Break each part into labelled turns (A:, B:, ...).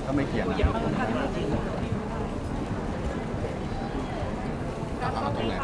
A: ก็ไม่เกี่ยงนะเอาตรงไหน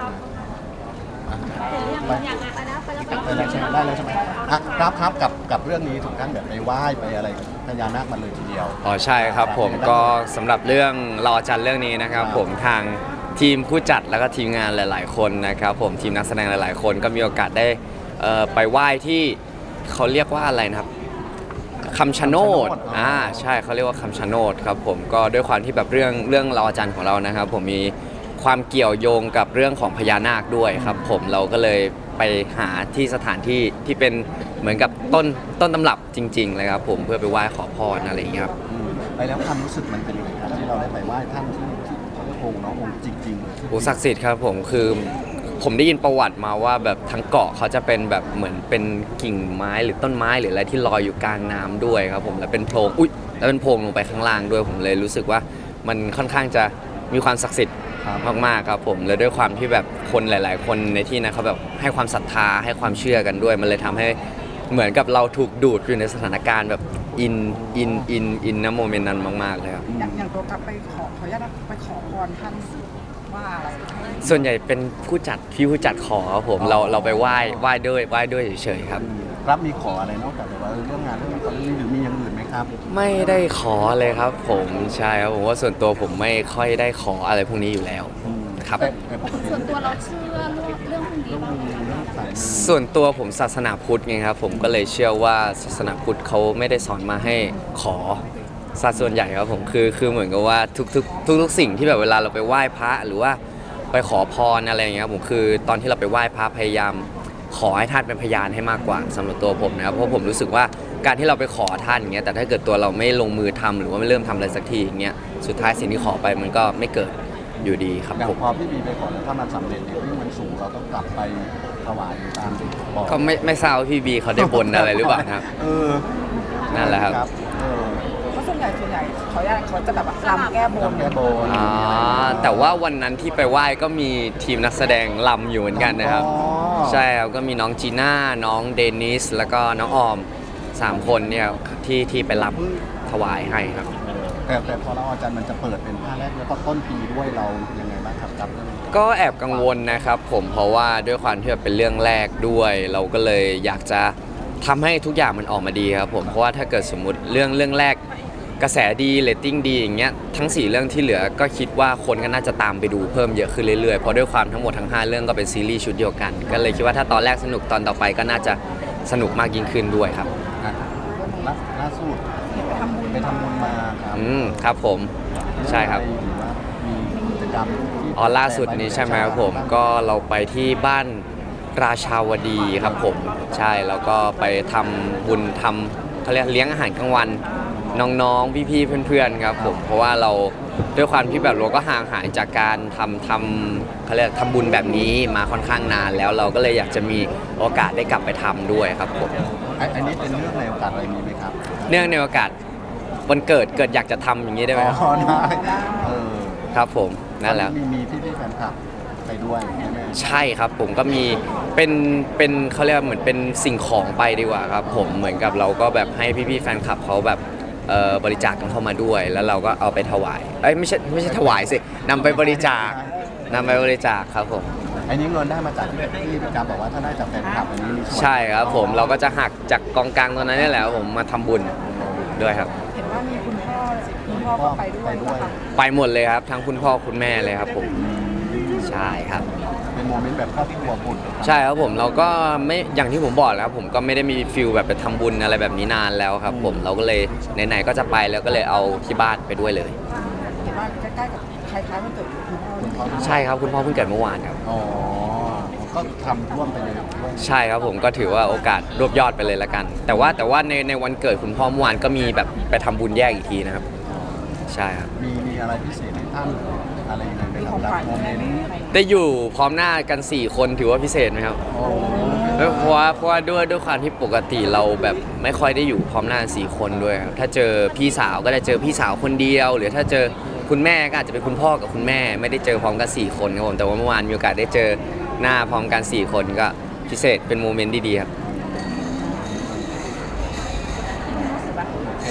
A: ไปแล้วใช่ไหมได้แล้วใช่ไหมครับกับเรื่องนี้ถึงขั้นแบบไปไหว้ไปอะไรพญานาคมาเลยทีเดียว
B: อ๋อใช่ครับผมก็สำหรับเรื่องรอจันทร์เรื่องนี้นะครับผมทางทีมผู้จัดแล้วก็ทีมงานหลาย ๆ คนนะครับผมทีมนักแสดงหลาย ๆ คนก็มีโอกาสได้ไปไหว้ที่เขาเรียกว่าอะไรนะครับคำชะโนดใช่เขาเรียกว่าคำชะโนดครับผมก็ด้วยความที่แบบเรื่องรอจันทร์ของเรานะครับผมมีความเกี่ยวโยงกับเรื่องของพญานาคด้วยครับผมเราก็เลยไปหาที่สถานที่ที่เป็นเหมือนกับต้นตำรับจริง ๆ เลยครับผมเพื่อไปไหว้ขอพรอะไรอย่างเงี้ยครับ
A: ไปแล้วความรู้สึกมันเป็นยังไงครับที่เราได้ไปไหว้ท่านที่องค์น้ององค์จริงๆ
B: โอ้ศักดิ์สิทธิ์ครับผมคือผมได้ยินประวัติมาว่าแบบทั้งเกาะเขาจะเป็นแบบเหมือนเป็นกิ่งไม้หรือต้นไม้หรืออะไรที่ลอยอยู่กลางน้ำด้วยครับผมแล้วเป็นโพรงแล้วเป็นโพรงลงไปข้างล่างด้วยผมเลยรู้สึกว่ามันค่อนข้างจะมีความศักดิ์สิทธิ์มากๆครับผมแล้วด้วยความที่แบบคนหลาย ๆ คนในที่นั้นเขาแบบให้ความศรัทธาให้ความเชื่อกันด้วยมันเลยทำให้เหมือนกับเราถูกดูดอยู่ในสถานการณ์แบบอินนะโมเมนต์นั้นมากๆเลยครับ
C: อย่างตัวกลับไปขออนุญาตไปขอพรท่านว่าอะไร
B: ส่วนใหญ่เป็นผู้จัดขอครับผมเราไปไหว้ด้วยเฉยๆครับ
A: ครับมีขออะไรนอกจากแบบว่าเรื่องงานเรื่องนี้หรือมีอย่างอื่นไหมครับ
B: ไม่ได้ขอเลยครับผมใช่ครับผมว่าส่วนตัวผมไม่ค่อยได้ขออะไรพวกนี้อยู่แล้วครับ
D: ส่วนตัวเราเชื่อเรื่องพวกนี้บ้างไหม
B: ส่วนตัวผมศาสนาพุทธไงครับผมก็เลยเชื่อว่าศาสนาพุทธเขาไม่ได้สอนมาให้ขอซะส่วนใหญ่ครับผมคือเหมือนกับว่าทุกสิ่งที่แบบเวลาเราไปไหว้พระหรือว่าไปขอพรอะไรอย่างเงี้ยผมคือตอนที่เราไปไหว้พระพยายามขอให้ท่านเป็นพยานให้มากกว่าสำหรับตัวผมนะครับเพราะผมรู้สึกว่าการที่เราไปขอท่านอย่างเงี้ยแต่ถ้าเกิดตัวเราไม่ลงมือทำหรือว่าไม่เริ่มทำอะไรสักทีอย่างเงี้ยสุดท้ายสิ่งที่ขอไปมันก็ไม่เกิดอยู่ดีครับ
A: ผมพอพี่บีไปขอแล้วถ้ามันสำเร็จเนี่ยวิ่งมันสูงเราต้องกลับไปถวายตาม
B: ก็ไม่ทราบว่าพี่บีเขาได้บนอะไรหรือเปล่าครับนั่นแหละครับ
C: เพราะส่วนใหญ่เขาจะแบบรำแก้บน
B: แต่ว่าวันนั้นที่ไปไหว้ก็มีทีมนักแสดงรำอยู่เหมือนกันนะครับใช่ครับก็มีน้องจีน่าน้องเดนิสแล้วก็น้องออม3 คนเนี่ยที่ไปรำถวายให้ครับ
A: แต่พอเราอาจารย์มันจะเปิดเป็นภาคแรกแล้วก็ต้นปีด้วยเรายังไงบ้างครับ
B: ก็แอบกังวลนะครับผมเพราะว่าด้วยความที่เป็นเรื่องแรกด้วยเราก็เลยอยากจะทำให้ทุกอย่างมันออกมาดีครับผมเพราะว่าถ้าเกิดสมมุติเรื่องแรกกระแสดีเรตติ้งดีอย่างเงี้ยทั้ง4 เรื่องที่เหลือก็คิดว่าคนก็น่าจะตามไปดูเพิ่มเยอะขึ้นเรื่อยๆเพราะด้วยความทั้งหมดทั้ง5 เรื่องก็เป็นซีรีส์ชุดเดียวกันก็เลยคิดว่าถ้าตอนแรกสนุกตอนต่อไปก็น่าจะสนุกมากยิ่งขึ้นด้วยครับ
A: ล่าสุดไปทำบุญมาครับ
B: ครับผมใช่ครับ
A: มีกิจกรรม
B: ล่าสุดนี้ใช่ไหมครับผมก็เราไปที่บ้านราชาวดีครับผมใช่แล้วก็ไปทำบุญเขาเรียกเลี้ยงอาหารกลางวันน้องๆพี่ๆเพื่อนๆครับผมเพราะว่าเราด้วยความที่แบบเราก็ห่างหายจากการเขาเรียกทำบุญแบบนี้มาค่อนข้างนานแล้วเราก็เลยอยากจะมีโอกาสได้กลับไปทำด้วยครับผม
A: อันนี้เป็นเรื่องในโอกาสอะไรมีไหมครับ
B: เนื่องในโอกาสวันเกิดอยากจะทำอย่างนี้ได้ไหมครับ
A: ได้
B: ครับผมนั่นแหละ
A: มีพี่แฟนคลับไปด้วย
B: ใช่ครับผมก็มีเป็นเขาเรียกเหมือนเป็นสิ่งของไปดีกว่าครับผมเหมือนกับเราก็แบบให้พี่ๆแฟนคลับเขาแบบบริจาคกันเข้ามาด้วยแล้วเราก็เอาไปถวายไม่ใช่ถวายสินำไปบริจาคครับผม
A: อันนี้เงินได้มาจากที่พี่การบอกว่าถ้าได้จากแฟนคลับอันนี้มี
B: ใช่ครับผมเราก็จะหักจากกองกลางตรงนั้นนี่แหละผมมาทำบุญด้วยครับ
C: เห็นว่ามีคุณพ่อก็ไปด้วย
B: ไปหมดเลยครับทั้งคุณพ่อคุณแม่เลยครับผมใช่ครับ
A: เป็นโมเมนต์แบบครอบครัวบุญ
B: ใช่ครับผมเราก็ไม่อย่างที่ผมบอกแล้วผมก็ไม่ได้มีฟิลแบบไปทำบุญอะไรแบบนี้นานแล้วครับผมเราก็เลยไหนๆก็จะไปแล้วก็เลยเอาที่บ้านไปด้วยเลย
C: เห็นว่าใกล้ๆกับคล้ายๆวันเกิดคุณพ่อ
B: ใช่ครับคุณพ่อเพิ่งเกิดเมื่อวานครับ
A: ก็ทำร่วมไปเลย
B: ใช่ครับผมก็ถือว่าโอกาสรวบยอดไปเลยละกันแต่ว่าในวันเกิดคุณพ่อเมื่อวานก็มีแบบไปทำบุญแยกอีกทีนะครับใช่ครับ
A: มีอะไรพิเศษให้ท่านอะไรยังไงไปรับโมเมนต์
B: ได้อยู่พร้อมหน้ากัน4 คนถือว่าพิเศษไหมครับเพราะว่าด้วยความที่ปกติเราแบบไม่ค่อยได้อยู่พร้อมหน้า4 คนด้วยครับถ้าเจอพี่สาวก็จะเจอพี่สาวคนเดียวหรือถ้าเจอคุณแม่ก็อาจจะเป็นคุณพ่อกับคุณแม่ไม่ได้เจอพร้อมกัน4 คนครับผมแต่ว่าเมื่อวานมีโอกาสได้เจอหน้าพร้อมกัน4 คนก็พิเศษเป็นโมเมนต์ดีๆครับ
A: โอเค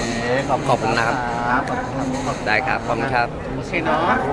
B: ขอบคุณนะครับ
A: ขอบคุณครับ
B: ได้ครับขอบคุณครับ
A: โอเคเนาะ